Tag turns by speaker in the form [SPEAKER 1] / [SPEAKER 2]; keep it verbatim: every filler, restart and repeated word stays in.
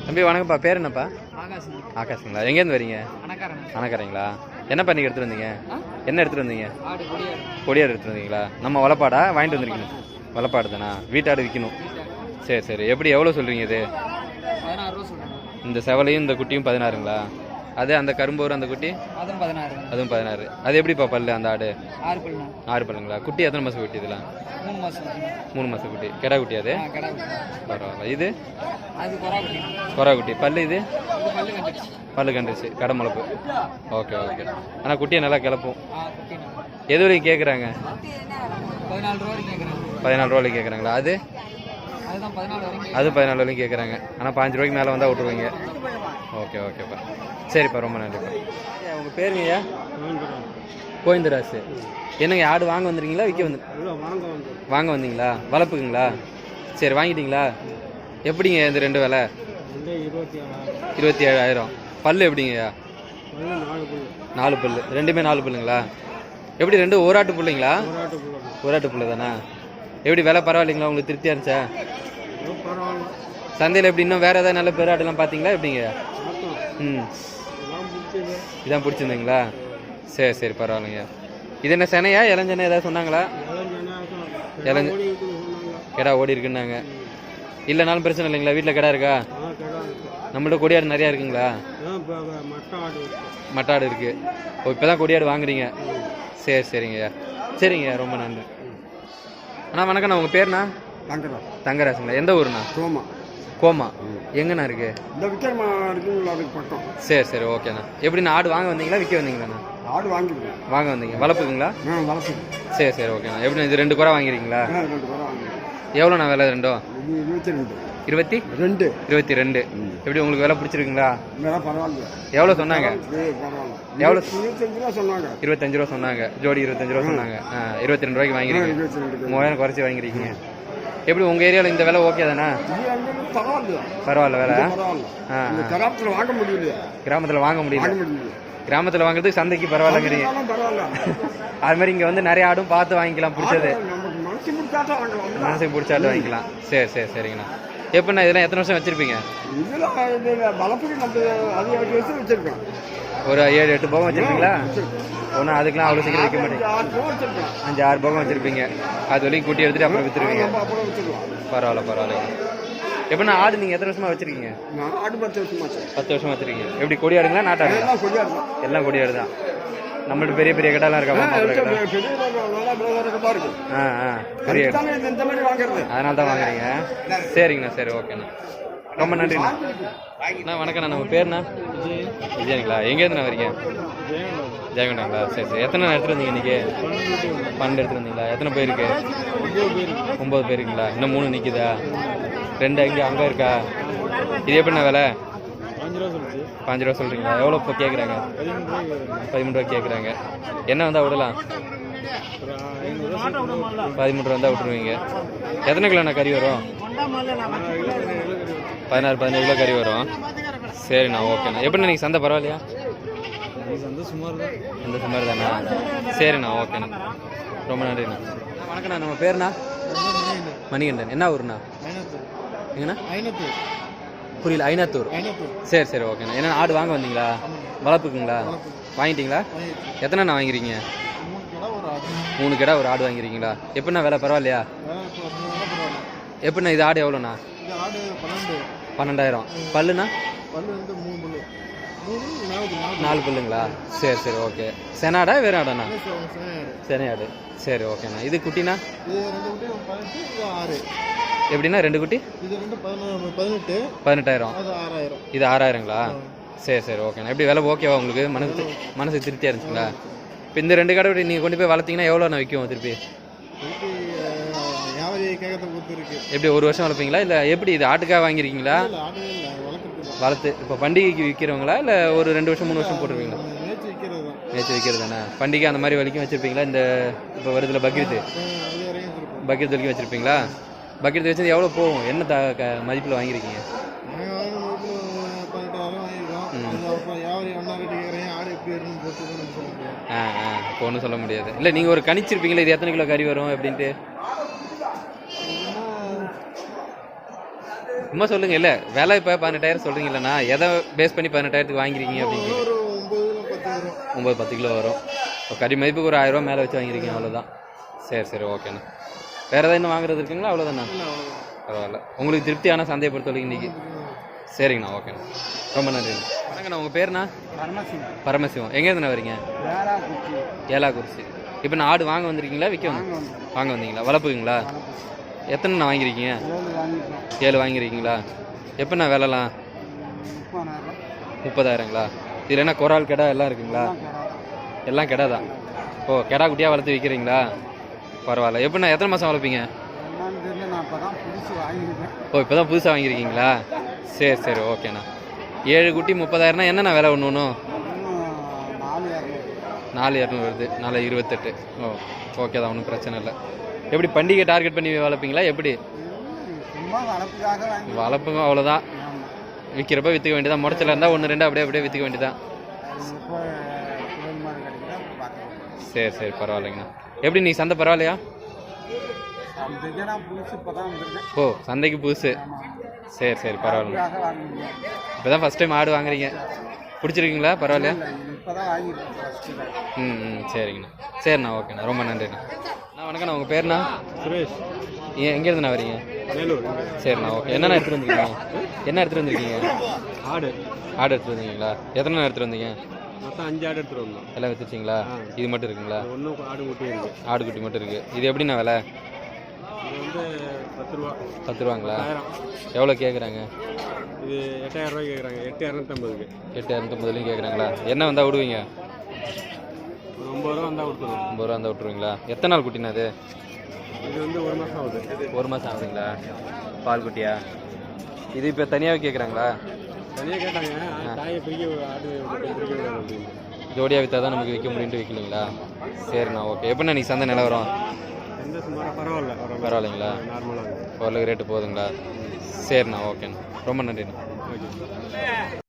[SPEAKER 1] தம்பி வணக்கம்ப்பா, பேர் என்னப்பா?
[SPEAKER 2] ஆகாஷ்.
[SPEAKER 1] ஆகாஷுங்களா? எங்கேருந்து வரீங்க? அணக்கரைங்களா? என்ன பண்ணி எடுத்துகிட்டு வந்தீங்க? என்ன எடுத்துகிட்டு வந்தீங்க? கொடியாடு எடுத்துகிட்டு வந்தீங்களா? நம்ம வளப்பாடா வாங்கிட்டு வந்துருக்கீங்க? வளப்பாடு தானா? வீட்டாடு விற்கணும். சரி சரி. எப்படி எவ்வளோ சொல்கிறீங்க இது? இந்த செவலையும் இந்த குட்டியும் பதினாறுங்களா? அது அந்த கரும்பூர் அந்த குட்டி
[SPEAKER 2] அதுவும் பதினாறு.
[SPEAKER 1] அதுவும் பதினாறு. அது எப்படிப்பா பல்லு அந்த ஆடு?
[SPEAKER 2] ஆறு பல்லு.
[SPEAKER 1] ஆறு பல்லுங்களா? குட்டி எத்தனை மாதம் குட்டி இதெல்லாம்?
[SPEAKER 2] மூணு மாதம்.
[SPEAKER 1] மூணு மாதம் குட்டி. கெடா குட்டி அது?
[SPEAKER 2] கடை குட்டி.
[SPEAKER 1] பரவாயில்ல. இது
[SPEAKER 2] அது கொரா குட்டி.
[SPEAKER 1] கொரா குட்டி. பல்லு இது
[SPEAKER 2] இது பல்லு கண்டுச்சு.
[SPEAKER 1] பல்லு கண்டுச்சு. கடை முளப்பு. Okay okay. ஆனால் குட்டியை நல்லா கிளப்பும்.
[SPEAKER 2] ஆ குட்டி.
[SPEAKER 1] எது வரைக்கும் கேட்குறாங்க?
[SPEAKER 2] பதினாலு ரூபா வரைக்கும் கேட்குறாங்க.
[SPEAKER 1] பதினாலு ரூபாய்க்கு கேட்குறாங்க. அது
[SPEAKER 2] அதுதான் பதினாலு வரைக்கும்.
[SPEAKER 1] அது பதினாலு வரைக்கும் கேட்குறாங்க. ஆனால் பாஞ்சு ரூபாய்க்கு மேலே வந்தால் விட்ருவீங்க. ஓகே ஓகேப்பா. சரிப்பா, ரொம்ப நன்றிப்பா. உங்கள் பேருங்கய்யா? கோவிந்தராசு. என்னங்க ஆடு வாங்க வந்துருக்கீங்களா விற்க வந்து? வாங்க வந்தீங்களா? வளர்ப்புக்குங்களா? சரி, வாங்கிட்டீங்களா? எப்படிங்க இந்த ரெண்டு விலை? இருபத்தி ஏழாயிரம். பல்லு எப்படிங்கய்யா? நாலு பல்லு. ரெண்டுமே நாலு பல்லுங்களா? எப்படி ரெண்டு ஓராட்டு பிள்ளைங்களா? ஓராட்டு பிள்ளை தானே? எப்படி விலை பரவாயில்லைங்களா? உங்களுக்கு திருப்தியாக இருந்துச்சா? சந்தையில் எப்படி இன்னும் வேறு ஏதாவது நல்ல பெராடுலாம் பார்த்தீங்களா எப்படிங்க? ம், இதான் பிடிச்சிருந்தீங்களா? சரி சரி, பரவாயில்லைங்க. இது என்ன செனையா இளஞ்சனை ஏதாவது சொன்னாங்களா? இளஞ்ச கிடா ஓடி இருக்குன்னாங்க. இல்லைனாலும் பிரச்சனை இல்லைங்களா? வீட்டில் கிடா இருக்கா? நம்மள்ட்ட கொடியாடு நிறையா இருக்குங்களா? மட்டாடு இருக்கு. ஓ, இப்போ தான் கொடியாடு வாங்குறீங்க? சரி சரிங்கய்யா. சரிங்க, ரொம்ப நன்றி. அண்ணா வணக்கண்ணா, உங்கள் பேருண்ணா?
[SPEAKER 3] தங்கராஜ்.
[SPEAKER 1] தங்கராஜுங்களா? எந்த ஊருண்ணா?
[SPEAKER 3] கோமா.
[SPEAKER 1] கோமா எங்கண்ணா இருக்கு?
[SPEAKER 3] இந்த விக்ரமா இருக்குங்களா, அதுக்கு பக்கம்.
[SPEAKER 1] சரி சரி, ஓகேண்ணா. எப்படிண்ணா ஆடு வாங்க வந்தீங்களா விற்க வந்தீங்களாண்ணா?
[SPEAKER 3] ஆடு வாங்கிருக்கேன்.
[SPEAKER 1] வாங்க வந்தீங்க. வளர்ப்புக்குங்களா?
[SPEAKER 3] ஆ வளர்ப்பு.
[SPEAKER 1] சரி சரி, ஓகேண்ணா. எப்படிண்ணா இது ரெண்டு குறை வாங்கிருக்கீங்களா?
[SPEAKER 3] ரெண்டு குறை வாங்கிருக்கேன்.
[SPEAKER 1] எவ்வளோண்ணா விலை ரெண்டும்?
[SPEAKER 3] இது இருபத்தி ரெண்டு.
[SPEAKER 1] இருபத்தி
[SPEAKER 3] ரெண்டு
[SPEAKER 1] இருபத்தி ரெண்டு. எப்படி உங்களுக்கு விலை பிடிச்சிருக்குங்களா?
[SPEAKER 3] வேலை பரவாயில்ல.
[SPEAKER 1] எவ்வளோ சொன்னாங்க?
[SPEAKER 3] பரவாயில்ல.
[SPEAKER 1] எவ்வளோ?
[SPEAKER 3] இருபத்தஞ்சு ரூபா சொன்னாங்க.
[SPEAKER 1] இருபத்தஞ்சு ரூபா சொன்னாங்க. ஜோடி இருபத்தஞ்சு ரூபா சொன்னாங்க. ஆ, இருபத்தி ரெண்டு ரூபாய்க்கு வாங்கிருக்கீங்க.
[SPEAKER 3] இருபத்தி ரெண்டு.
[SPEAKER 1] மூவாயிரம் குறைச்சி வாங்கிருக்கீங்க. எப்படி உங்கள் ஏரியாவில் இந்த விலை ஓகே தானே?
[SPEAKER 3] பரவாயில்ல.
[SPEAKER 1] பரவாயில்ல விலை?
[SPEAKER 3] பரவாயில்ல.
[SPEAKER 1] ஆ,
[SPEAKER 3] கிராமத்தில் வாங்க முடியல.
[SPEAKER 1] கிராமத்தில் வாங்க முடியல.
[SPEAKER 3] வாங்க முடியல.
[SPEAKER 1] கிராமத்தில் வாங்குறதுக்கு சந்தைக்கு பரவாயில்லங்கிறீங்க.
[SPEAKER 3] பரவாயில்ல.
[SPEAKER 1] அது மாதிரி இங்கே வந்து நிறைய ஆடும் பார்த்து வாங்கிக்கலாம். பிடிச்சது
[SPEAKER 3] நமக்கு மனசு பிடிச்சாட்டம் வாங்கலாம்.
[SPEAKER 1] மனசுக்கு பிடிச்சாட்டு வாங்கிக்கலாம். சரி சரி சரிங்கண்ணா. எப்படிண்ணா இதெல்லாம் எத்தனை வருஷம் வச்சுருப்பீங்க?
[SPEAKER 3] இதெல்லாம் வளர்ப்புக்கு நம்ம அதிக வருஷம் வச்சிருக்கோம்.
[SPEAKER 1] ஒரு ஏழு எட்டு போகம் வச்சுருப்பீங்களா? ஒன்றும் அதுக்கெலாம் அவ்வளோ சீக்கிரம் வைக்க மாட்டீங்க. அஞ்சு ஆறு போகம் வச்சுருப்பீங்க. அது வரைக்கும் கூட்டி எடுத்துகிட்டு அப்புறம் விற்றுருவீங்க. பரவாயில்ல பரவாயில்ல. எப்படின்னா ஆடு நீங்கள் எத்தனை வருஷமாக வச்சுருக்கீங்க?
[SPEAKER 3] ஆடு பத்து வருஷமா.
[SPEAKER 1] பத்து வருஷமா வச்சுருக்கீங்க. எப்படி கொடியாடுங்களா நாட்டாடு? எல்லாம் கொடியாடு தான். நம்மள்ட்ட பெரிய பெரிய கடாலாம் இருக்கா? ஆ ஆ, பெரிய அதனால தான் வாங்குறீங்க. சரிங்கண்ணா. சரி, ஓகேண்ணா. ரொம்ப நன்றிண்ணா. அண்ணா வணக்கண்ணா, நம்ம பேருண்ணா? விஜயனுங்களா? எங்கேருந்துண்ணா வரீங்க? ஜெயங்கொண்டாங்களா? சரி சரி. எத்தனை எடுத்துகிட்டு வந்தீங்க இன்றைக்கி? பன்னெண்டு எடுத்துகிட்டு வந்தீங்களா? எத்தனை பேருக்கு? ஒம்பது பேருக்குங்களா? இன்னும் மூணு நிற்குதா? ரெண்டு அங்கே அங்கே இருக்கா? இது எப்படிண்ணா விலை? பாஞ்சு ரூபா சொல்கிறீங்களா? எவ்வளோ இப்போ கேட்குறாங்க? பதிமூணு ரூபா கேட்குறாங்க. என்ன வந்தால் விடலாம்? பதிமூணு ரூபா வந்தால் விட்டுருவீங்க. எத்தனை கிலோண்ணா கறி வரும்? பதினாறு பதினேழு கிலோ கறி வரும். சரிண்ணா, ஓகேண்ணா. எப்படிண்ணா நீங்கள் சந்தை பரவாயில்லையா? சந்தை சுமார் தான். சந்தை சுமார் தானே? சரிண்ணா, ஓகேண்ணா. ரொம்ப நன்றிண்ணா. வணக்கண்ணா, நம்ம பேருண்ணா? மணிகண்டன். என்ன ஊருண்ணா? எங்கண்ணா? புரியல. ஐநத்தூர். சரி சரி, ஓகேண்ணா. என்ன ஆடு வாங்க வந்தீங்களா? வளர்ப்புக்குங்களா? வாங்கிட்டீங்களா? எத்தனைண்ணா வாங்கிறீங்க? மூணு கிடா ஒரு ஆடு வாங்கிருக்கீங்களா? எப்படிண்ணா விலை பரவாயில்லையா? எப்படிண்ணா இது ஆடு எவ்வளோண்ணா? பன்னெண்டாயிரம். பல்லுண்ணா? நாலு பல்லுங்களா? சரி சரி, ஓகே. செனாடா வேறு ஆடாண்ணா? செனையாடு. சரி, ஓகேண்ணா. இது குட்டிண்ணா? எப்படின்னா ரெண்டு குட்டி? பதினெட்டாயிரம். இது ஆறாயிரங்களா? சரி சரி, ஓகேண்ணா. எப்படி விலை ஓகேவா உங்களுக்கு? மனசு மனசு திருப்தியாக இருந்துச்சுங்களா? இப்போ இந்த ரெண்டு கடை நீங்கள் கொண்டு போய் வளர்த்தீங்கன்னா எவ்வளோண்ணா விற்கும் திருப்பி? எப்படி ஒரு வருஷம் வளர்ப்பீங்களா? இல்லை எப்படி இது ஆட்டுக்காக வாங்கியிருக்கீங்களா? வளர்த்து இப்போ பண்டிகைக்கு விற்கிறவங்களா இல்லை ஒரு ரெண்டு வருஷம் மூணு வருஷம் போட்டுருவீங்களா? நேற்று விற்கிறது தானே. பண்டிகை அந்த மாதிரி வரைக்கும் வச்சுருப்பீங்களா? இந்த இப்போ வருதுல பக்ரீத்து, பக்ரீத் வரைக்கும் வச்சுருப்பீங்களா? பக்கெட் வச்சது எவ்வளோ போகும்? என்ன த க மதிப்பில் வாங்கியிருக்கீங்க? ஆ ஆ, இப்போ ஒன்றும் சொல்ல முடியாது. இல்லை நீங்கள் ஒரு கணிச்சிருப்பீங்களா இது எத்தனை கிலோ கறி வரும் அப்படின்ட்டு? சும்மா சொல்லுங்க. இல்லை விலை இப்போ பதினெட்டாயிரம் சொல்கிறீங்களண்ணா, எதை பேஸ் பண்ணி பதினெட்டாயிரத்துக்கு வாங்கிருக்கீங்க அப்படின்னு
[SPEAKER 3] ஒரு ஒம்பது பத்து வரும்.
[SPEAKER 1] ஒம்பது பத்து கிலோ வரும். இப்போ கறி மதிப்புக்கு ஒரு ஆயிரரூவா மேலே வச்சு வாங்கியிருக்கீங்க, அவ்வளோதான். சரி சரி ஓகேண்ணா. வேறு ஏதாவது இன்னும் வாங்குறது இருக்குங்களா? அவ்வளோதாண்ணா. பரவாயில்ல. உங்களுக்கு திருப்தியான சந்தையை பொறுத்தவரைக்கும் இன்றைக்கி. சரிங்கண்ணா, ஓகேண்ணா. ரொம்ப நன்றிண்ணா. வணக்கண்ணா. உங்கள் பேருண்ணா?
[SPEAKER 3] பரமசிவம்.
[SPEAKER 1] பரமசிவம். எங்கேருந்துண்ணா வரீங்க?
[SPEAKER 3] வேளாக்குறிச்சி.
[SPEAKER 1] ஏலாக்குறிச்சி. இப்போ நான் ஆடு வாங்க வந்திருக்கீங்களா விற்க வந்து வாங்க வந்தீங்களா? வளர்ப்புங்களா? எத்தனைண்ணா வாங்கியிருக்கீங்க?
[SPEAKER 3] ஏழு வாங்கிட்டோம்.
[SPEAKER 1] ஏழு வாங்கியிருக்கீங்களா? எப்போண்ணா விலைலாம்?
[SPEAKER 3] முப்பதாயிரம்.
[SPEAKER 1] முப்பதாயிரங்களா? இதில் என்ன குறால் கெடா எல்லாம் இருக்குங்களா? எல்லாம் கெடா தான். ஓ, கெடா குட்டியாக வளர்த்து விற்கிறீங்களா? பரவாயில்ல. எப்படிண்ணா எத்தனை மாதம் வளர்ப்பீங்க?
[SPEAKER 3] என்னன்னு தெரியல, நான் இப்போ தான் புதுசு வாங்கியிருக்கேன்.
[SPEAKER 1] ஓ, இப்போ தான் புதுசாக வாங்கியிருக்கீங்களா? சரி சரி ஓகேண்ணா. ஏழு குட்டி முப்பதாயிரம்னா என்னண்ணா விலை ஒன்று ஒன்றும்?
[SPEAKER 3] இன்னும் நாலு இரநூறு.
[SPEAKER 1] நாலு இரநூறு வருது. நாலு இருபத்தெட்டு. ஓ ஓகே தான், ஒன்றும் பிரச்சனை இல்லை. எப்படி பண்டிகை டார்கெட் பண்ணி வளர்ப்பீங்களா எப்படி?
[SPEAKER 3] சும்மா வளர்ப்புக்காக வாங்கி.
[SPEAKER 1] வளர்ப்புங்க அவ்வளோதான். விற்கிறப்ப விற்றுக்க வேண்டியதான். முடச்சல இருந்தால் ஒன்று ரெண்டு அப்படியே அப்படியே விற்றுக்க வேண்டியதான்.
[SPEAKER 3] இப்போ குரல் மாதிரி கிடைக்குதா பார்க்கலாம்.
[SPEAKER 1] சரி சரி பரவாயில்லைங்கண்ணா. எப்படி நீ சந்தை பரவாயில்லையா?
[SPEAKER 3] சந்தைக்கு நான் புதுசு இப்போ தான் வந்திருக்கேன்.
[SPEAKER 1] ஓ, சந்தைக்கு புதுசு. சரி சரி பரவாயில்ல.
[SPEAKER 3] அதுக்காக வாங்கிருக்கேன்.
[SPEAKER 1] இப்போ தான் ஃபஸ்ட் டைம் ஆடு வாங்குறீங்க. பிடிச்சிருக்கீங்களா? பரவாயில்லையா?
[SPEAKER 3] இப்போ தான் வாங்கியிருக்கேன் ஃபஸ்ட்டு.
[SPEAKER 1] ம் ம் சரிங்கண்ணா. சரிண்ணா, ஓகேண்ணா. ரொம்ப நன்றிண்ணா. அண்ணா வணக்கண்ணா. உங்கள் பேருண்ணா?
[SPEAKER 3] சுரேஷ்.
[SPEAKER 1] ஏன் எங்கேருந்துண்ணா வரீங்க?
[SPEAKER 3] வேலூர்.
[SPEAKER 1] சரிண்ணா, ஓகே. என்னண்ணா எடுத்துகிட்டு வந்திருக்கீங்க? என்ன எடுத்துகிட்டு வந்திருக்கீங்க?
[SPEAKER 3] ஆடு.
[SPEAKER 1] ஆடு எடுத்துகிட்டு வந்தீங்களா? எத்தனை எடுத்துகிட்டு வந்தீங்க?
[SPEAKER 3] மொத்தம் அஞ்சு ஆடு எடுத்துகிட்டு வந்தோம்.
[SPEAKER 1] எல்லாம் விற்றுச்சிங்களா? இது மட்டும் இருக்குங்களா?
[SPEAKER 3] ஒன்றும் ஆடு குட்டி இருக்குது.
[SPEAKER 1] ஆடு குட்டி மட்டும் இருக்குது. இது எப்படிண்ணா விலை?
[SPEAKER 3] இது வந்து பத்து ரூபா.
[SPEAKER 1] பத்து ரூபாங்களா?
[SPEAKER 3] ஆயிரம்.
[SPEAKER 1] எவ்வளோ கேட்குறாங்க?
[SPEAKER 3] இது எட்டாயிரம் ரூபாய் கேட்குறாங்க. எட்டு இரநூத்தம்பதுக்கு.
[SPEAKER 1] எட்டு இரநூத்தம்பதுலையும் கேட்குறாங்களா? என்ன வந்தால் விடுவீங்க?
[SPEAKER 3] ஒரு ஒம்பது ரூபா வந்தால் கொடுத்துருவோம்.
[SPEAKER 1] ஐம்பது ரூபா வந்தால் விட்ருவீங்களா? எத்தனை நாள் குட்டினா அது?
[SPEAKER 3] இது வந்து ஒரு மாதம் ஆகுது.
[SPEAKER 1] ஒரு மாதம் ஆகுதுங்களா? பால் குட்டியா? இது இப்போ தனியாகவே கேட்குறாங்களா?
[SPEAKER 3] தனியாக கேட்டாங்க. தாயை பிரிக்க ஆடு பிரிக்க விடாது அப்படின்னு.
[SPEAKER 1] ஜோடியாக விற்றா தான் நமக்கு விற்க முடியும்ட்டு விற்கலீங்களா? சரிண்ணா, ஓகே. எப்படிண்ணா நீங்கள் சந்தை நிலவரம்?
[SPEAKER 3] எந்த சுமாராக பரவாயில்ல.
[SPEAKER 1] பரவாயில்லைங்களா?
[SPEAKER 3] நார்மலாக
[SPEAKER 1] ஓரளவுக்கு ரேட்டு போகுதுங்களா? சரிண்ணா, ஓகேண்ணா. ரொம்ப நன்றிண்ணா.
[SPEAKER 3] ஓகே.